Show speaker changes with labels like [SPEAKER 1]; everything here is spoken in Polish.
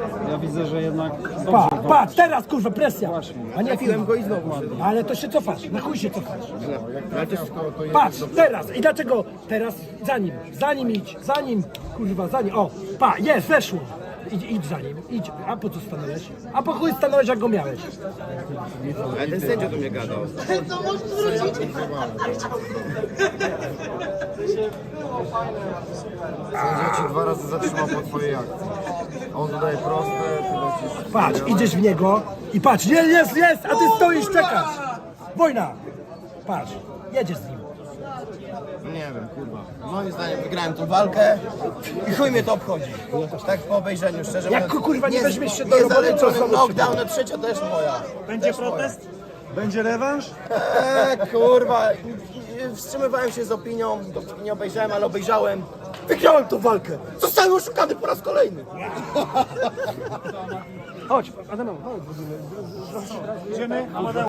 [SPEAKER 1] Ja widzę, że jednak
[SPEAKER 2] Patrz, teraz kurwa presja. A nie
[SPEAKER 3] Trafiłem go i znowu.
[SPEAKER 2] Ale to się cofasz, na chuj się cofasz. Patrz, teraz. I dlaczego teraz? Za nim idź, kurwa, za nim. O, jest, weszło. Idź za nim, idź. A po co stanąłeś? A po chuj stanąłeś, jak go miałeś?
[SPEAKER 3] Ale ten sędzia do mnie gadał.
[SPEAKER 4] No możesz zwrócić.
[SPEAKER 5] Sędzia ci 2 razy zatrzymał po twojej akcji. A on dodaje proste, ty lecisz.
[SPEAKER 2] Patrz, idziesz w niego i patrz, jest, a ty stoisz, czekasz. Wojna. Patrz, jedziesz z nim.
[SPEAKER 3] Nie wiem, kurwa. Moim zdaniem wygrałem tą walkę i chuj mnie to obchodzi. Tak po obejrzeniu, szczerze
[SPEAKER 2] Jak
[SPEAKER 3] mówiąc.
[SPEAKER 2] kurwa nie weźmiesz się do roboty, to
[SPEAKER 3] Niezaliczony
[SPEAKER 2] znowu
[SPEAKER 3] knockdown, a trzecia też moja.
[SPEAKER 6] Będzie protest? Będzie rewanż?
[SPEAKER 3] Kurwa. Wstrzymywałem się z opinią, dopóki nie obejrzałem, ale obejrzałem. Wygrałem tą walkę. Zostałem oszukany po raz kolejny.
[SPEAKER 2] Chodź, Adam, chodź.
[SPEAKER 6] Idziemy?